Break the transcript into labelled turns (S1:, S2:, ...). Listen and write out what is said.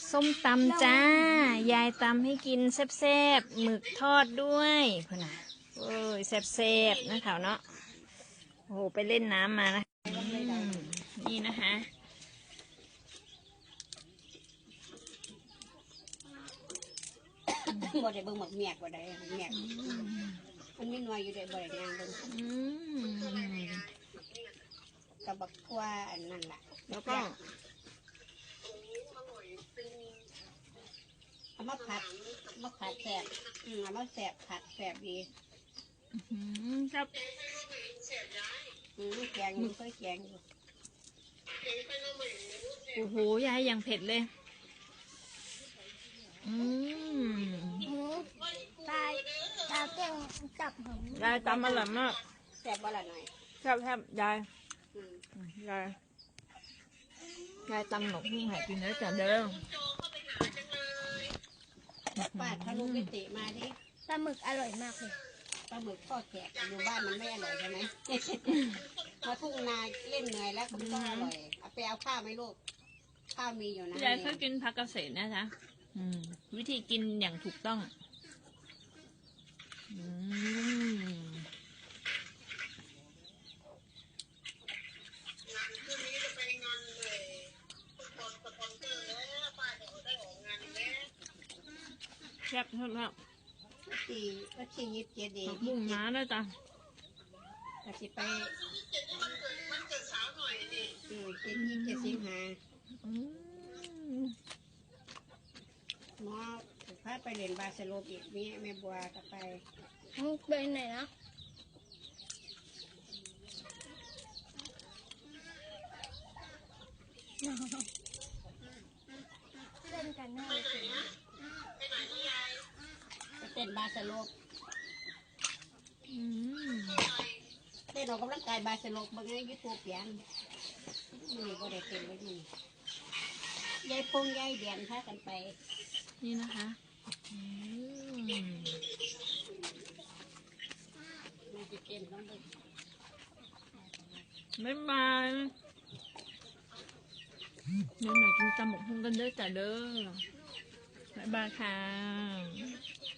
S1: ส้มตำจ้ายายตำให้กินแซ่บๆหมึกทอดด้วยคุณน่ะโอ้ยแซ่บๆนะแถวเนาะโอ้โหไปเล่นน้ำมานะนี่นะคะ
S2: บ่ได้เบิ่งหมกเมียกบ่ได้เมียกมันมีหน่วยอยู่ได้บ่ได้ย่างเบิ่งกับบักทั่วอันนั้นล่ะ
S1: แล้วก็
S2: เอามาผัดแสบเอามาแสบผัดแสบดี
S1: ครับ
S2: แกงอยู่ค่อยแกงอยู่
S1: โอ้โหยายอย่างเผ็ดเลย
S3: ตาเก่งจับหอม
S1: ยายตำอร่อยมาก
S2: แสบบ่ละหน่อย
S1: แซ่บยายตำหนกหุ้งหายกินแล้วจ้ะเด้อ
S2: ป้าถ้าลูกไปติมาดิ
S3: ปลาหมึกอร่อยมากเลย
S2: ปลาหมึกทอดแขกอยู่บ้านมันไม่อร่อยใช่ไหมมาทุ่งนาเล่นเหนื่อยแล้วก็ต้องอร่อยเอาไปเอาข้าวไหมลูกข้าวมีอยู่นะ
S1: ยายเคยกินผักเกษตรนะจ๊ะวิธีกินอย่างถูกต้องแซ่บครับ
S2: ที่27 ดี
S1: บุ้งม้าด้วยจ้ะ
S2: ก็สิไปมันเกิดสาวหน่อยดิ27 สิงหาหมอพาไปเรียนบาสโลปอีกแม่บัวก็ไป
S3: ไปไหนนะเล่นกันแน่เลย
S2: เต้นบาสโลปเต้นออกกำลังกายบาสโลปบางไงยูทูบเปลี่ยนนี่ก็ได้เต้นไว้นี่ยายพงยายเดียนพากันไป
S1: นี่นะคะบ๊ายบายเดี๋ยวหน่อยกินตำหมกหุ้งกันเด้อจ้ะเด้อบ๊ายบายค่ะ